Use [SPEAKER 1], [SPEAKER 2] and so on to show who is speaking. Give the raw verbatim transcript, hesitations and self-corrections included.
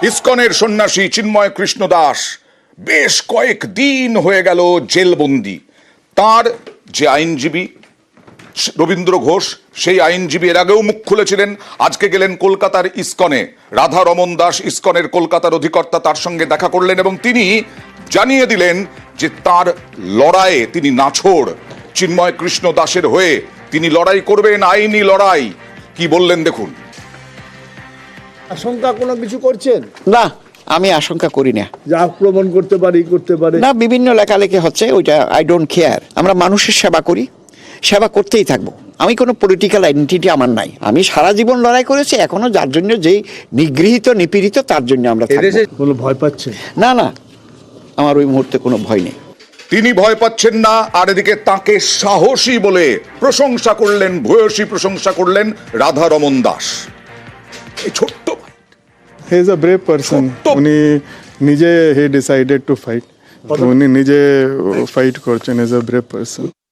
[SPEAKER 1] ইসকনের সন্ন্যাসী চিন্ময় কৃষ্ণ দাস বেশ কয়েক দিন হয়ে গেল জেলবন্দি। তার যে আইনজীবী রবীন্দ্র ঘোষ, সেই আইনজীবী এর আগেও মুখ খুলেছিলেন। আজকে গেলেন কলকাতার ইসকনে। রাধা রমন দাস, ইসকনের কলকাতার অধিকর্তা, তার সঙ্গে দেখা করলেন এবং তিনি জানিয়ে দিলেন যে তার লড়াইয়ে তিনি নাছোড়। চিন্ময় কৃষ্ণ দাসের হয়ে তিনি লড়াই করবেন, আইনি লড়াই। কি বললেন দেখুন।
[SPEAKER 2] আশঙ্কা কোনো কিছু করছেন?
[SPEAKER 3] না, আমি আশঙ্কা করি না।
[SPEAKER 2] যে আক্রমণ করতে পারি করতে পারে
[SPEAKER 3] না, বিভিন্ন লেখালেখি হচ্ছে, ওইটা আই ডোন্ট কেয়ার। আমরা মানুষের সেবা করি, সেবা করতেই থাকবো। আমি কোনো পলিটিক্যাল আইডেন্টিটি আমার নাই। আমি সারা জীবন লড়াই করেছি, এখনো যার জন্য যেই নিগৃহীত নিপীড়িত তার জন্য আমরা থাকবো।
[SPEAKER 2] এদেশে কোনো ভয় পাচ্ছে
[SPEAKER 3] না না, আমার ওই মুহূর্তে কোনো ভয় নেই।
[SPEAKER 1] তিনি ভয় পাচ্ছেন না, আর এদিকে তাকে সাহসী বলে প্রশংসা করলেন, ভূয়সী প্রশংসা করলেন রাধা রমন দাস। এই ছোট্ট
[SPEAKER 4] he is a brave person.
[SPEAKER 1] ছোট্ট-
[SPEAKER 4] উনি নিজে হি ডিসাইডেড টু ফাইট, উনি নিজে ফাইট করছেন। Is a brave person.